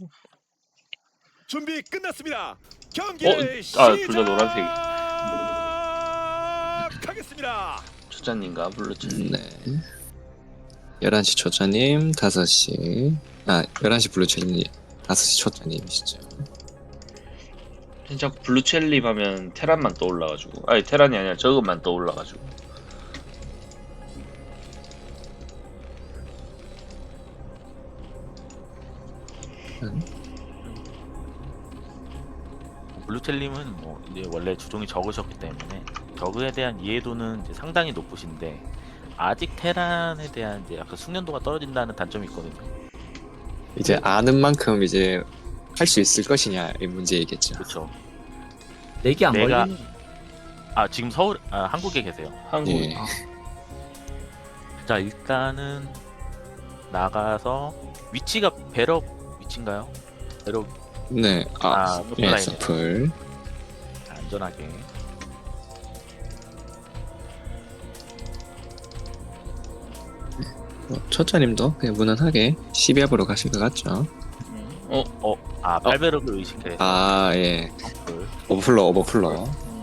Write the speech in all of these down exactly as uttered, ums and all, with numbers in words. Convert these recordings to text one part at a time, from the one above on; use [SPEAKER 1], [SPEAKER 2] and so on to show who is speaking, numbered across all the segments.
[SPEAKER 1] 준비 끝났습니다. 경기
[SPEAKER 2] 어? 아,
[SPEAKER 1] 시작.
[SPEAKER 2] 둘 다 노란색.
[SPEAKER 1] 하겠습니다.
[SPEAKER 2] 초짜님과 블루칠.
[SPEAKER 3] 네. 열한 시 초짜님, 다섯 시. 아, 열한 시 블루체님, 다섯 시 초짜님이시죠.
[SPEAKER 2] 자꾸 블루첼립 하면 테란만 떠올라가지고. 아니, 테란이 아니라 저것만 떠올라가지고.
[SPEAKER 3] 음.
[SPEAKER 4] 블루텔님은 뭐 이제 원래 주종이 적으셨기 때문에 저그에 대한 이해도는 이제 상당히 높으신데 아직 테란에 대한 이제 약간 숙련도가 떨어진다는 단점이 있거든요.
[SPEAKER 3] 이제 아는 만큼 이제 할 수 있을 것이냐 이 문제이겠죠.
[SPEAKER 4] 그렇죠.
[SPEAKER 5] 내기 안
[SPEAKER 4] 내가-
[SPEAKER 5] 걸리는.
[SPEAKER 4] 아 지금 서울, 아 한국에 계세요.
[SPEAKER 2] 한국.
[SPEAKER 3] 예.
[SPEAKER 4] 자 일단은 나가서 위치가 배럭 위치인가요? 배럭
[SPEAKER 3] 네. 아,
[SPEAKER 4] 아
[SPEAKER 3] 예,
[SPEAKER 4] 서플라인이네요.
[SPEAKER 3] 서플.
[SPEAKER 4] 안전하게.
[SPEAKER 3] 뭐, 초짜님도 그냥 무난하게 십이압으로 가실 것 같죠.
[SPEAKER 2] 어?
[SPEAKER 4] 어, 아 팔배럭을 의식해서
[SPEAKER 3] 아, 예.
[SPEAKER 4] 서플.
[SPEAKER 3] 오버플러, 오버플러.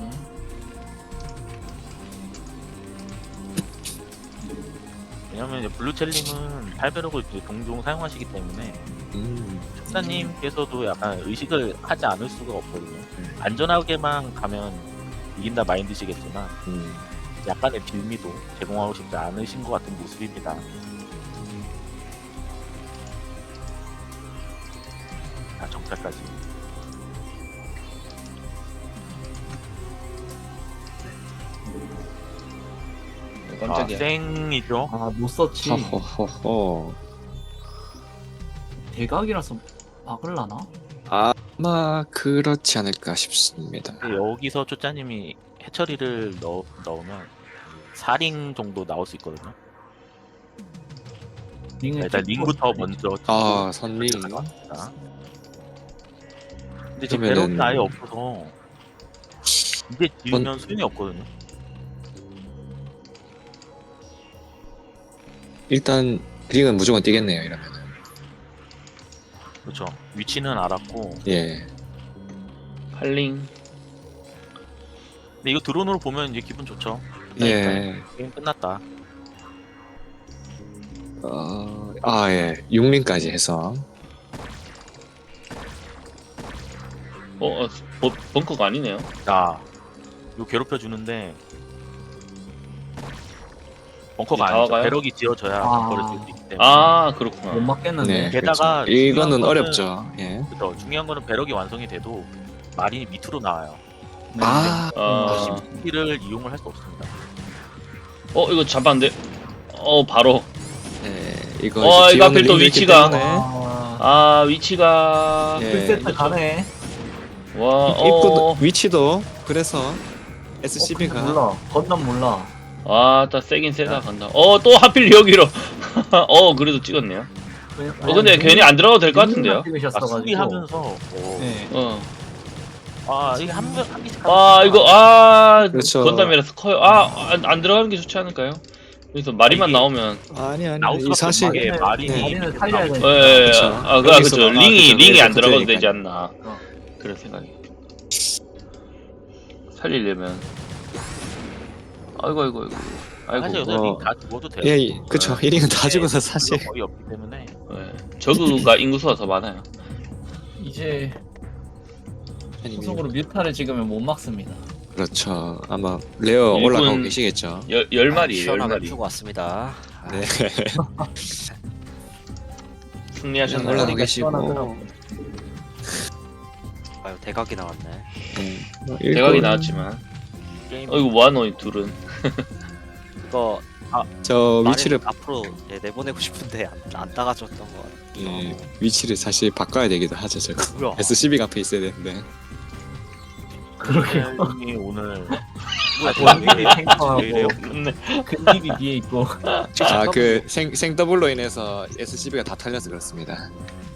[SPEAKER 4] 왜냐면 이제 블루첼님은 팔배럭을 이제 종종 사용하시기 때문에
[SPEAKER 3] 음.
[SPEAKER 4] 촉사님께서도 약간 의식을 하지 않을 수가 없거든요. 안전하게만 가면 이긴다 마인드시겠지만
[SPEAKER 3] 음.
[SPEAKER 4] 약간의 빌미도 제공하고 싶지 않으신 것 같은 모습입니다. 아 정찰까지. 아
[SPEAKER 2] 깜짝이야.
[SPEAKER 4] 쌩이죠.
[SPEAKER 5] 아, 못 썼지.
[SPEAKER 3] 허허허허.
[SPEAKER 5] 대각이라서 막을라나?
[SPEAKER 3] 아마 그렇지 않을까 싶습니다.
[SPEAKER 4] 근데 여기서 초짜님이 해처리를 넣, 넣으면 사 링 정도 나올 수 있거든요.
[SPEAKER 5] 링을
[SPEAKER 4] 일단
[SPEAKER 5] 찍고
[SPEAKER 4] 링부터
[SPEAKER 5] 있어야지.
[SPEAKER 4] 먼저
[SPEAKER 3] 아, 선미.
[SPEAKER 4] 가져갑니다. 근데 지금
[SPEAKER 3] 그러면은-
[SPEAKER 4] 배럭이 아예 없어서 이제 지으면 소용이 없거든요.
[SPEAKER 3] 일단 링은 무조건 뛰겠네요, 이러면은.
[SPEAKER 4] 그렇죠. 위치는 알았고
[SPEAKER 3] 예.
[SPEAKER 2] 팔링.
[SPEAKER 4] 근데 이거 드론으로 보면 이제 기분 좋죠.
[SPEAKER 3] 예.
[SPEAKER 4] 게임 끝났다.
[SPEAKER 3] 어, 아, 예. 육 링까지 해서.
[SPEAKER 2] 어? 어 버, 벙커가 아니네요.
[SPEAKER 4] 자, 이거 괴롭혀 주는데 벙커가
[SPEAKER 2] 이제 다
[SPEAKER 4] 아니죠.
[SPEAKER 2] 와가요?
[SPEAKER 4] 배럭이 지어져야
[SPEAKER 5] 아.
[SPEAKER 4] 벙커를 지을 수 있기 때문에.
[SPEAKER 2] 아,
[SPEAKER 5] 못
[SPEAKER 2] 그렇구나.
[SPEAKER 5] 막겠는데.
[SPEAKER 3] 네.
[SPEAKER 4] 게다가
[SPEAKER 3] 그렇죠. 이거는
[SPEAKER 4] 중요한 거는-
[SPEAKER 3] 어렵죠. 예.
[SPEAKER 4] 그렇죠. 중요한 거는 배럭이 완성이 돼도 마린이 밑으로 나와요.
[SPEAKER 3] 아,
[SPEAKER 2] 아,
[SPEAKER 4] 시를 이용을 할 수 없습니다.
[SPEAKER 2] 어, 이거 잡았는데? 어, 바로.
[SPEAKER 3] 예. 이거
[SPEAKER 2] 어,
[SPEAKER 3] 이제
[SPEAKER 2] 이거
[SPEAKER 3] 지원을
[SPEAKER 2] 하필 또
[SPEAKER 3] 링이 있기
[SPEAKER 2] 위치가.
[SPEAKER 3] 때문에
[SPEAKER 5] 아,
[SPEAKER 2] 아, 위치가.
[SPEAKER 3] 예.
[SPEAKER 5] 풀세트 가네.
[SPEAKER 2] 와,
[SPEAKER 3] 입구도
[SPEAKER 2] 어.
[SPEAKER 3] 위치도 그래서
[SPEAKER 5] 어, 근데
[SPEAKER 3] 에스씨비가
[SPEAKER 5] 몰라. 건담 몰라.
[SPEAKER 2] 아, 딱 세긴 세다 간다. 어, 또 하필 여기로. 어, 그래도 찍었네요. 어, 근데 괜히 안 들어가도 될 것 같은데요?
[SPEAKER 4] 아,
[SPEAKER 5] 찍으셨어가지고.
[SPEAKER 4] 수비하면서 어.
[SPEAKER 5] 네.
[SPEAKER 2] 어.
[SPEAKER 4] 아 이게 한 명 한 개씩
[SPEAKER 2] 아, 이거, 아,
[SPEAKER 3] 그렇죠.
[SPEAKER 2] 건담이라서 커요. 아, 안, 안 들어가는 게 좋지 않을까요? 여기서 마리만
[SPEAKER 4] 이게-
[SPEAKER 2] 나오면.
[SPEAKER 3] 아니 아니
[SPEAKER 4] 나올
[SPEAKER 3] 이
[SPEAKER 4] 수밖에
[SPEAKER 3] 사실
[SPEAKER 4] 없는 게
[SPEAKER 5] 네,
[SPEAKER 4] 마린이
[SPEAKER 3] 네.
[SPEAKER 4] 밑에
[SPEAKER 5] 마린을 살려야
[SPEAKER 4] 나오고.
[SPEAKER 5] 되니까.
[SPEAKER 2] 예, 예,
[SPEAKER 3] 그쵸.
[SPEAKER 2] 아, 그, 아,
[SPEAKER 3] 여기서-
[SPEAKER 2] 그쵸.
[SPEAKER 3] 아,
[SPEAKER 2] 링이,
[SPEAKER 3] 그쵸.
[SPEAKER 2] 링이
[SPEAKER 3] 여기서
[SPEAKER 2] 안 들어가도
[SPEAKER 3] 그쪽이니까요.
[SPEAKER 2] 되지 않나.
[SPEAKER 5] 어.
[SPEAKER 2] 그런 생각이. 살리려면. 아이고, 아이고, 아이고.
[SPEAKER 4] 사실
[SPEAKER 2] 아이고.
[SPEAKER 4] 요새
[SPEAKER 3] 어.
[SPEAKER 4] 링다 죽어도 돼요.
[SPEAKER 3] 예, 예, 그쵸.
[SPEAKER 2] 네.
[SPEAKER 3] 일 링은 다
[SPEAKER 4] 네,
[SPEAKER 3] 죽어서 사실
[SPEAKER 4] 거의 없기 때문에
[SPEAKER 2] 예. 저그가 인구수가 더 많아요.
[SPEAKER 5] 이제
[SPEAKER 3] 아니,
[SPEAKER 5] 소속으로 뮤타를 찍으면 못 막습니다.
[SPEAKER 3] 그렇죠. 아마 레어
[SPEAKER 2] 일꾼-
[SPEAKER 3] 올라가고 계시겠죠.
[SPEAKER 2] 열, 열 마리, 열
[SPEAKER 6] 시원하게
[SPEAKER 2] 마리.
[SPEAKER 6] 풀고 왔습니다.
[SPEAKER 3] 네.
[SPEAKER 2] 승리하셨나요?
[SPEAKER 3] 올라가고 계시고.
[SPEAKER 5] 시원하더라고.
[SPEAKER 6] 아유 대각이 나왔네.
[SPEAKER 3] 네. 뭐
[SPEAKER 2] 대각이
[SPEAKER 3] 일꾼-
[SPEAKER 2] 나왔지만.
[SPEAKER 4] 게임
[SPEAKER 2] 어이구, 뭐하노, 이 둘은.
[SPEAKER 6] 이거
[SPEAKER 3] 저
[SPEAKER 6] 말을
[SPEAKER 3] 위치를
[SPEAKER 6] 앞으로 네, 내보내고 싶은데 안, 안 따가줬던 것 같아요.
[SPEAKER 3] 예, 위치를 사실 바꿔야 되기도 하죠. 저거.
[SPEAKER 6] 뭐야?
[SPEAKER 3] 에스씨비가 앞에 있어야 되는데.
[SPEAKER 4] 이 오늘
[SPEAKER 5] 아, 본인이 탱커하고
[SPEAKER 4] 이래요?
[SPEAKER 5] 근집이 뒤에 있고.
[SPEAKER 3] 아, 그 생 생더블로 인해서 에스씨비가 다 털려서 그렇습니다.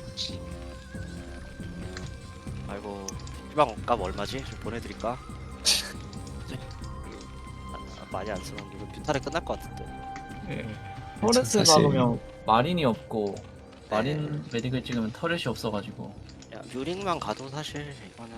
[SPEAKER 6] 아이고 희망값 얼마지? 좀 보내드릴까? 아, 많이 안 쓰는 게 뷰탈에 끝날 것 같은데.
[SPEAKER 5] 포레스
[SPEAKER 3] 사실-
[SPEAKER 5] 막으면 마린이 없고 마린 메딕을 찍으면 터렛이 없어가지고.
[SPEAKER 6] 야, 뮤링만 가도 사실 이거는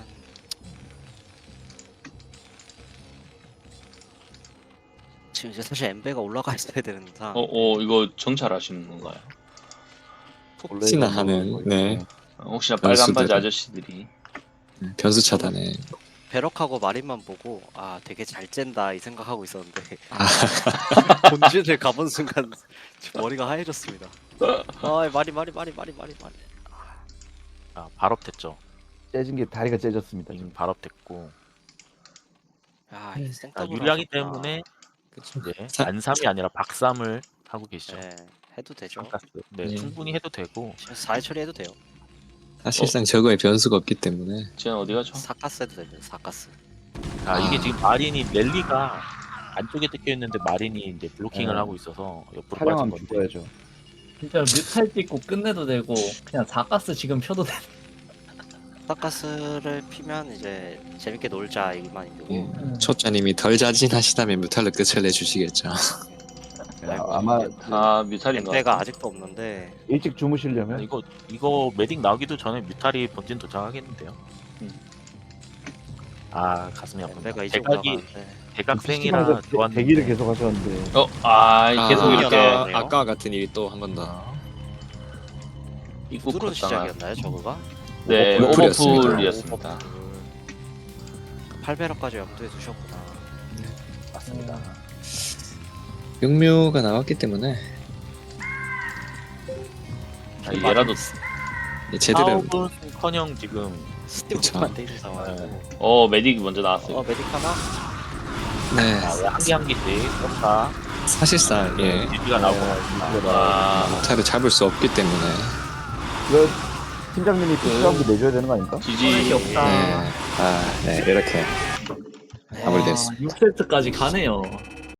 [SPEAKER 6] 지금 이제 사실 엠베가 올라가 있어야 되는 상황.
[SPEAKER 2] 어, 어, 이거 정찰하시는 건가요?
[SPEAKER 3] 혹시나 하는 네
[SPEAKER 2] 어, 혹시나 빨간 바지
[SPEAKER 3] 변수들은.
[SPEAKER 2] 아저씨들이.
[SPEAKER 3] 변수 차단에
[SPEAKER 6] 베럭하고 마린만 보고 아 되게 잘 짠다 이 생각하고 있었는데
[SPEAKER 3] 아,
[SPEAKER 6] 본진을 가본 순간 지금 머리가 하얘졌습니다. 아 마린 마린 마린 마린 마린 마린.
[SPEAKER 4] 아, 발업됐죠.
[SPEAKER 7] 째진 게 다리가 째졌습니다.
[SPEAKER 4] 지금
[SPEAKER 7] 지금.
[SPEAKER 4] 발업됐고.
[SPEAKER 6] 아 이게
[SPEAKER 4] 아,
[SPEAKER 6] 생더블
[SPEAKER 4] 유리하기
[SPEAKER 6] 하셨구나.
[SPEAKER 4] 때문에
[SPEAKER 3] 그쵸.
[SPEAKER 4] 이제
[SPEAKER 3] 사-
[SPEAKER 4] 안삼이 아니라 박삼을 하고 계시죠.
[SPEAKER 6] 네 해도 되죠.
[SPEAKER 4] 가스. 네,
[SPEAKER 5] 네.
[SPEAKER 4] 충분히 해도 되고.
[SPEAKER 6] 지금 사회 처리해도 돼요.
[SPEAKER 3] 사실상 저거에 변수가 없기 때문에
[SPEAKER 2] 쟤는 어디 가죠?
[SPEAKER 6] 사가스 해도 됩니다. 사가스.
[SPEAKER 4] 아, 이게
[SPEAKER 3] 아.
[SPEAKER 4] 지금 마린이 랠리가 안쪽에 뜯겨 있는데 마린이 이제 블로킹을
[SPEAKER 7] 네.
[SPEAKER 4] 하고 있어서 옆으로 빠진
[SPEAKER 7] 촬영하면
[SPEAKER 4] 건데.
[SPEAKER 7] 죽어야죠.
[SPEAKER 5] 진짜 뮤탈 찍고 끝내도 되고 그냥 사가스 지금 펴도 돼.
[SPEAKER 6] 사가스를 피면 이제 재밌게 놀자 이만 이고.
[SPEAKER 3] 예. 초짜님이 덜 자진하시다면 뮤탈로 끝을 내주시겠죠.
[SPEAKER 7] 야, 아마
[SPEAKER 2] 아, 뮤탈인가?
[SPEAKER 6] 엠베가 아직도 없는데
[SPEAKER 7] 일찍
[SPEAKER 4] 아,
[SPEAKER 7] 주무시려면
[SPEAKER 4] 이거 이거 메딕 나오기도 전에 뮤탈이 본진 도착하겠는데요.
[SPEAKER 2] 음.
[SPEAKER 4] 아, 가슴이 아프다.
[SPEAKER 6] 엠베가 이제
[SPEAKER 4] 대각이
[SPEAKER 6] 올라가는데
[SPEAKER 4] 대각생이라
[SPEAKER 7] 피시방에서 대-
[SPEAKER 4] 좋았는데.
[SPEAKER 7] 대기를 계속 하셨는데
[SPEAKER 2] 어, 아, 계속
[SPEAKER 3] 아,
[SPEAKER 2] 이렇게
[SPEAKER 6] 나오네요.
[SPEAKER 3] 아까, 아까 같은 일이 또 한 번 더.
[SPEAKER 4] 아,
[SPEAKER 2] 입국
[SPEAKER 6] 뚫은
[SPEAKER 2] 걷다가.
[SPEAKER 6] 시작이었나요 저거가?
[SPEAKER 2] 네,
[SPEAKER 3] 오버풀이었습니다.
[SPEAKER 2] 오버풀이었습니다.
[SPEAKER 6] 팔 배럭까지 염두에 두셨구나.
[SPEAKER 4] 맞습니다.
[SPEAKER 3] 육묘가 나왔기 때문에
[SPEAKER 2] 아, 얘라도
[SPEAKER 3] 제대로
[SPEAKER 4] 사업은커녕 지금
[SPEAKER 6] 스팀만 돼 있는 상황이고.
[SPEAKER 4] 네.
[SPEAKER 2] 어, 메딕이 먼저 나왔어요.
[SPEAKER 6] 어 메딕 하나?
[SPEAKER 3] 네
[SPEAKER 4] 한 개 한 개씩 쏜다.
[SPEAKER 3] 사실상 예
[SPEAKER 4] 지지가 나오고
[SPEAKER 2] 아,
[SPEAKER 3] 뮤탈을 잡을 수 없기 때문에
[SPEAKER 7] 이거 팀장님이 피시방비 내줘야 되는 거 아닙니까?
[SPEAKER 5] 터렛이
[SPEAKER 2] 지지.
[SPEAKER 5] 없다.
[SPEAKER 3] 네, 아, 네 이렇게 마무리됐습니다.
[SPEAKER 5] 육 세트까지 가네요.